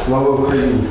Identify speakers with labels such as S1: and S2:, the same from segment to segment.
S1: Слава Україні!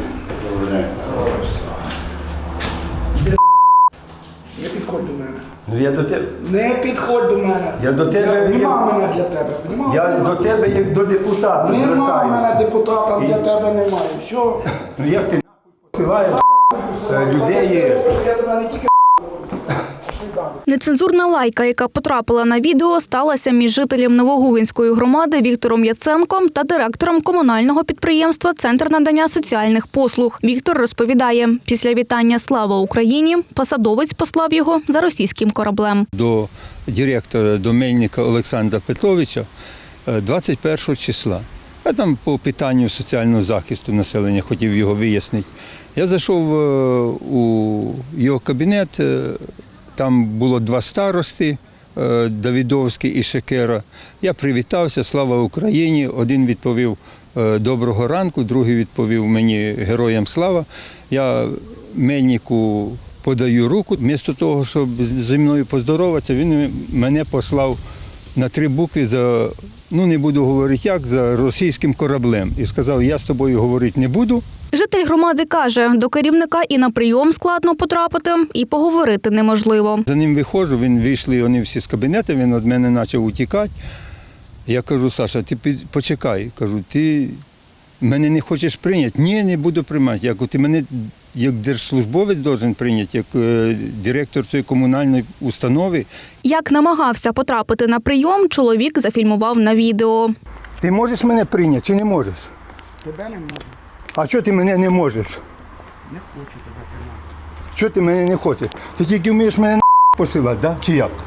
S2: Не підходь до мене.
S1: Ну я до тебе.
S2: Не підходь до мене.
S1: Я до тебе.
S2: Нема мене для тебе.
S1: Я до тебе як до депутата.
S2: Нема мене депутата, для тебе немає. Все.
S1: Ну як ти нахуй посилаєш людей?
S2: Я тебе не тільки.
S3: Нецензурна лайка, яка потрапила на відео, сталася між жителем Новогувинської громади Віктором Яценком та директором комунального підприємства «Центр надання соціальних послуг». Віктор розповідає, після вітання «Слава Україні» посадовець послав його за російським кораблем.
S4: До директора, до Мельника Олександра Петровича 21 числа. Я там по питанню соціального захисту населення хотів його вияснити. Я зайшов у його кабінет. Там було два старости, Давидовський і Шекера. Я привітався, слава Україні. Один відповів доброго ранку, другий відповів мені героям слава. Я Мельнику подаю руку. Вмісто того, щоб зі мною поздороватися, він мене послав на 3 букви за, не буду говорити як, за російським кораблем. І сказав, я з тобою говорити не буду.
S3: Житель громади каже, до керівника і на прийом складно потрапити, і поговорити неможливо.
S4: За ним виходжу, вийшли вони всі з кабінету, він від мене почав утікати. Я кажу, Саша, ти почекай. Кажу, ти мене не хочеш прийняти? Ні, не буду приймати. Я кажу, ти мене як держслужбовець повинен прийняти, як директор цієї комунальної установи.
S3: Як намагався потрапити на прийом, чоловік зафільмував на відео.
S1: Ти можеш мене прийняти чи не можеш?
S2: Тебе не можу.
S1: А чого ти мене не можеш?
S2: Не хочу тебе приймати.
S1: Чого ти мене не хочеш? Ти тільки вмієш мене посилати, да? Чи як?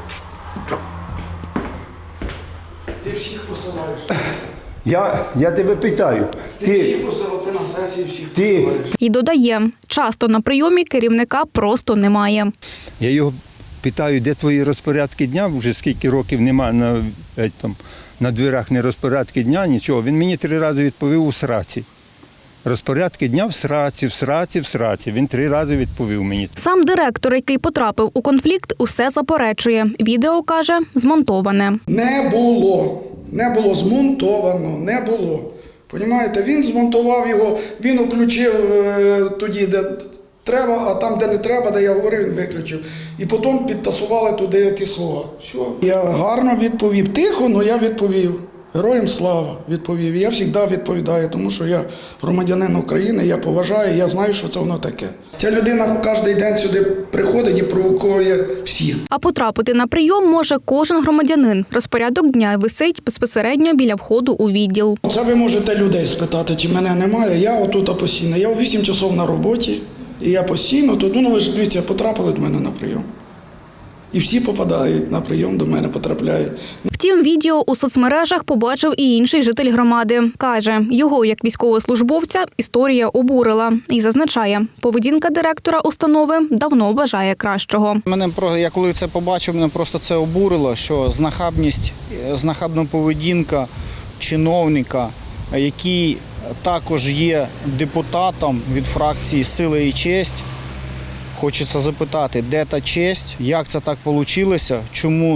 S2: Ти всіх посилаєш.
S1: Я тебе питаю.
S2: Ти всіх посилав, ти на сесії всіх
S1: Ти.
S2: посилаєш.
S3: І додає, часто на прийомі керівника просто немає.
S4: Я його питаю, де твої розпорядки дня, вже скільки років немає на дверях не розпорядки дня, нічого. Він мені 3 рази відповів у сраці. Розпорядки дня в сраці, в сраці, в сраці. Він 3 рази відповів мені.
S3: Сам директор, який потрапив у конфлікт, усе заперечує. Відео, каже, змонтоване.
S2: Не було. Не було змонтовано, не було. Понімаєте, він змонтував його, він включив тоді, де треба, а там, де не треба, де я говорив, він виключив. І потім підтасували туди ті слова. Все. Я гарно відповів. Тихо, але я відповів. Героям слава відповів. І я завжди відповідаю, тому що я громадянин України, я поважаю, я знаю, що це воно таке. Ця людина кожен день сюди приходить і провокує всіх.
S3: А потрапити на прийом може кожен громадянин. Розпорядок дня висить безпосередньо біля входу у відділ.
S2: Це ви можете людей спитати, чи мене немає. Я отут постійно. Я у 8 часов на роботі, і я постійно тут, ви ж дивіться, потрапили до мене на прийом. І всі попадають на прийом, до мене потрапляють.
S3: Втім, відео у соцмережах побачив і інший житель громади. Каже, його як військовослужбовця історія обурила. І зазначає, поведінка директора установи давно бажає кращого.
S5: Я коли це побачив, мене просто це обурило, що знахабна поведінка чиновника, який також є депутатом від фракції «Сила і честь». Хочеться запитати, де та честь, як це так вийшло, чому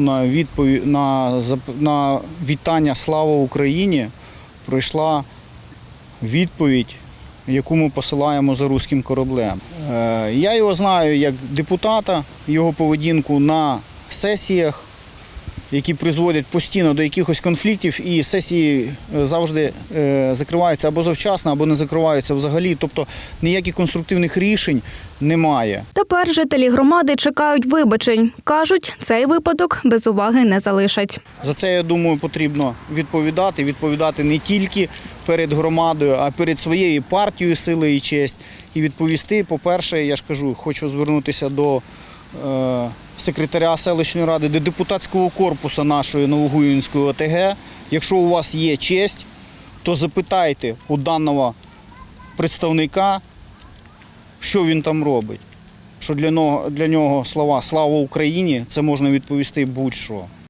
S5: на вітання «Слава Україні» прийшла відповідь, яку ми посилаємо за руським кораблем. Я його знаю як депутата, його поведінку на сесіях, які призводять постійно до якихось конфліктів, і сесії завжди закриваються або завчасно, або не закриваються взагалі. Тобто ніяких конструктивних рішень немає.
S3: Тепер жителі громади чекають вибачень. Кажуть, цей випадок без уваги не залишать.
S5: За це, я думаю, потрібно відповідати не тільки перед громадою, а перед своєю партією «Сила і честь». І відповісти, по-перше, я ж кажу, хочу звернутися до секретаря селищної ради, до депутатського корпусу нашої Новогуївської ОТГ. Якщо у вас є честь, то запитайте у даного представника, що він там робить. Що для нього слова «Слава Україні» – це можна відповісти будь-що.